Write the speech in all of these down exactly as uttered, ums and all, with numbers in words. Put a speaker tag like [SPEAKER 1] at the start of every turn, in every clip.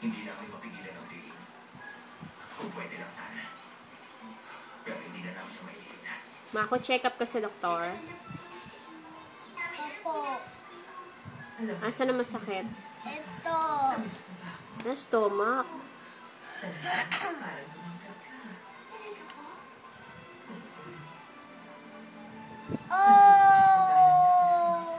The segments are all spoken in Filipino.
[SPEAKER 1] Hindi namin mapigilan ang tingin. Kung pwede lang sana. Pero hindi na namin siya mailigtas.
[SPEAKER 2] Mako, check up ka sa doktor.
[SPEAKER 3] Opo.
[SPEAKER 2] Asa na masakit?
[SPEAKER 3] Ito.
[SPEAKER 2] Na stomach.
[SPEAKER 3] Oh!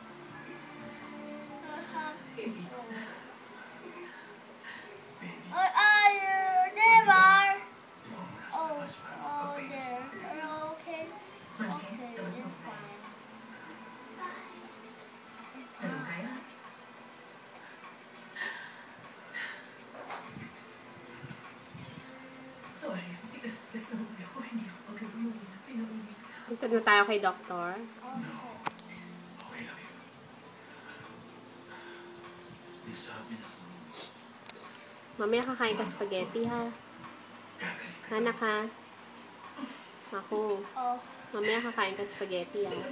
[SPEAKER 3] Where are you? There are. Oh, oh, there. Are you okay? Okay, I'm fine.
[SPEAKER 1] Sorry, tigas-tigas na ubi ako. Hindi ako pag-uwi. Pinauwi.
[SPEAKER 2] Punta na tayo kay doktor.
[SPEAKER 1] Okay lang yun. Nagsabi na.
[SPEAKER 2] Mamaya kakain ka spaghetti, ha? Anak, ha? Ako.
[SPEAKER 3] Oh.
[SPEAKER 2] Mamaya kakain ka spaghetti, ha?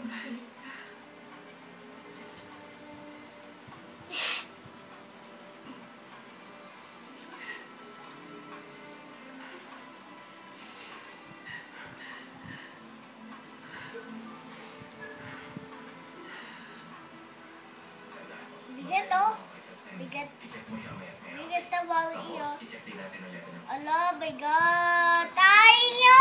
[SPEAKER 3] Bigat oh. Bigat. Bigat na bang iyo. Ala, bigat. Tayo!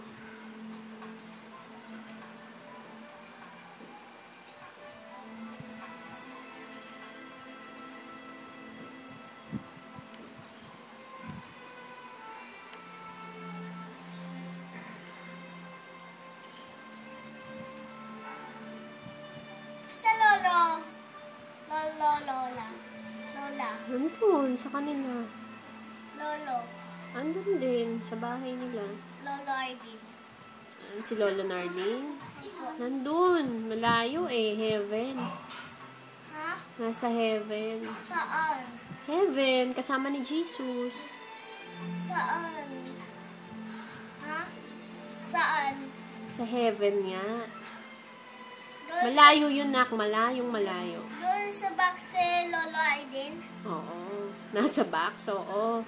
[SPEAKER 3] Sa lolo. Lolo, lola. Lola.
[SPEAKER 2] Nandun, sa kanila.
[SPEAKER 3] Lolo.
[SPEAKER 2] Andun din, sa bahay nila.
[SPEAKER 3] Lolo Argin.
[SPEAKER 2] Ah, si Lolo Nardine. Nandun, malayo eh, heaven.
[SPEAKER 3] Ha?
[SPEAKER 2] Nasa heaven.
[SPEAKER 3] Saan?
[SPEAKER 2] Heaven, kasama ni Jesus.
[SPEAKER 3] Saan? Ha? Saan?
[SPEAKER 2] Sa heaven nga.
[SPEAKER 3] Doon
[SPEAKER 2] Malayo yun, nak. Malayong malayo.
[SPEAKER 3] Doon sa box si Lolo Argin?
[SPEAKER 2] Oo. Nasa box, oo.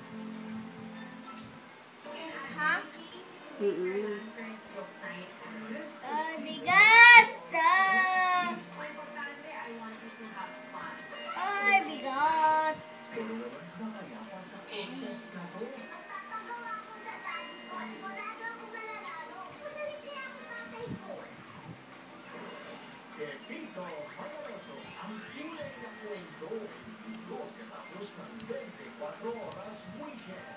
[SPEAKER 3] Ha?
[SPEAKER 2] Mm-mm.
[SPEAKER 3] Ah, bigat! Ah. Ay, bigat!
[SPEAKER 1] Pepito Manaloto, ang tunay na kwento. Ito ang katapos ng twenty-four oras weekend.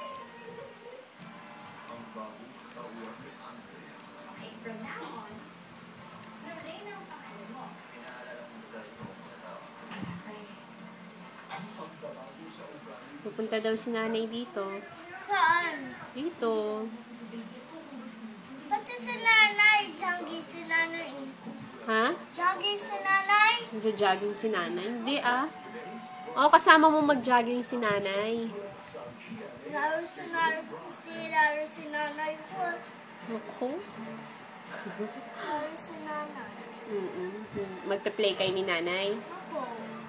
[SPEAKER 1] Ang bagong katawan ni Andrea.
[SPEAKER 4] Okay, from now on, Lorraine ang pangalan mo.
[SPEAKER 1] Pinaalala mo sa ito mga tao.
[SPEAKER 4] Okay.
[SPEAKER 1] Ang pagbabago sa ugali.
[SPEAKER 2] Pupunta daw si nanay dito.
[SPEAKER 3] Saan?
[SPEAKER 2] Dito.
[SPEAKER 3] Pati si nanay. Jangi si nanay.
[SPEAKER 2] Ha?
[SPEAKER 3] Jangi si nanay.
[SPEAKER 2] Nagja-jogging si nanay? Hindi ah. Oo, kasama mo mag-jogging si nanay.
[SPEAKER 3] Laro si nanay. Si laro si nanay ko.
[SPEAKER 2] Ako?
[SPEAKER 3] Laro si nanay.
[SPEAKER 2] Mm-mm. Magpe-play kayo ni nanay.
[SPEAKER 3] Ako.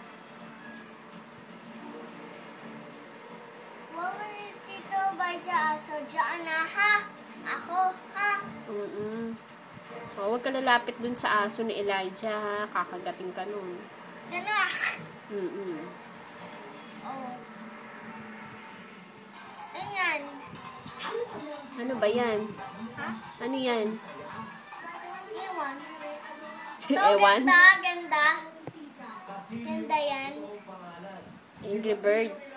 [SPEAKER 3] Wala dito ba dyan? So, dyan na ha? Ako ha?
[SPEAKER 2] Mm-mm. O, huwag ka lalapit dun sa aso ni Elijah, ha? Kakagating ka nun.
[SPEAKER 3] Ganak!
[SPEAKER 2] Mm-mm.
[SPEAKER 3] Oh. Ayan.
[SPEAKER 2] Ano ba yan?
[SPEAKER 3] Ha?
[SPEAKER 2] Ano yan?
[SPEAKER 3] Iwan. Ito,
[SPEAKER 2] Ewan?
[SPEAKER 3] ganda, ganda. Ganda yan.
[SPEAKER 2] Angry Birds.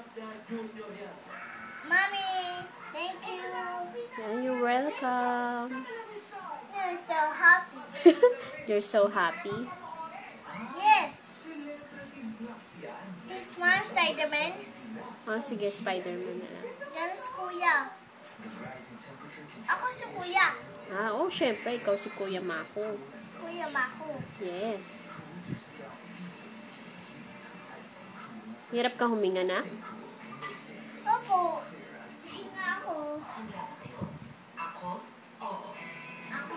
[SPEAKER 3] Mommy, thank you.
[SPEAKER 2] Yeah, you're welcome.
[SPEAKER 3] You're so happy.
[SPEAKER 2] You're so happy.
[SPEAKER 3] Yes. This one, Spider-Man.
[SPEAKER 2] Oh, sige, Spider-Man na lang.
[SPEAKER 3] Yan si Kuya. Ako si Kuya.
[SPEAKER 2] Ah, oh, syempre, ikaw si Kuya Mako.
[SPEAKER 3] Kuya Mako.
[SPEAKER 2] Yes. Hirap ka huminga na?
[SPEAKER 3] Opo. Hinga ako.
[SPEAKER 1] Ako? Oo.
[SPEAKER 3] Ako?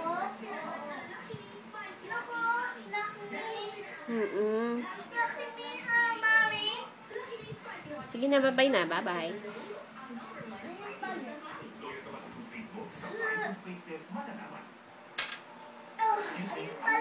[SPEAKER 3] Ako? Laki.
[SPEAKER 2] Mm-mm.
[SPEAKER 3] Laki ni ha, Mami.
[SPEAKER 2] Sige na, bye-bye na. Bye-bye.
[SPEAKER 3] Oh,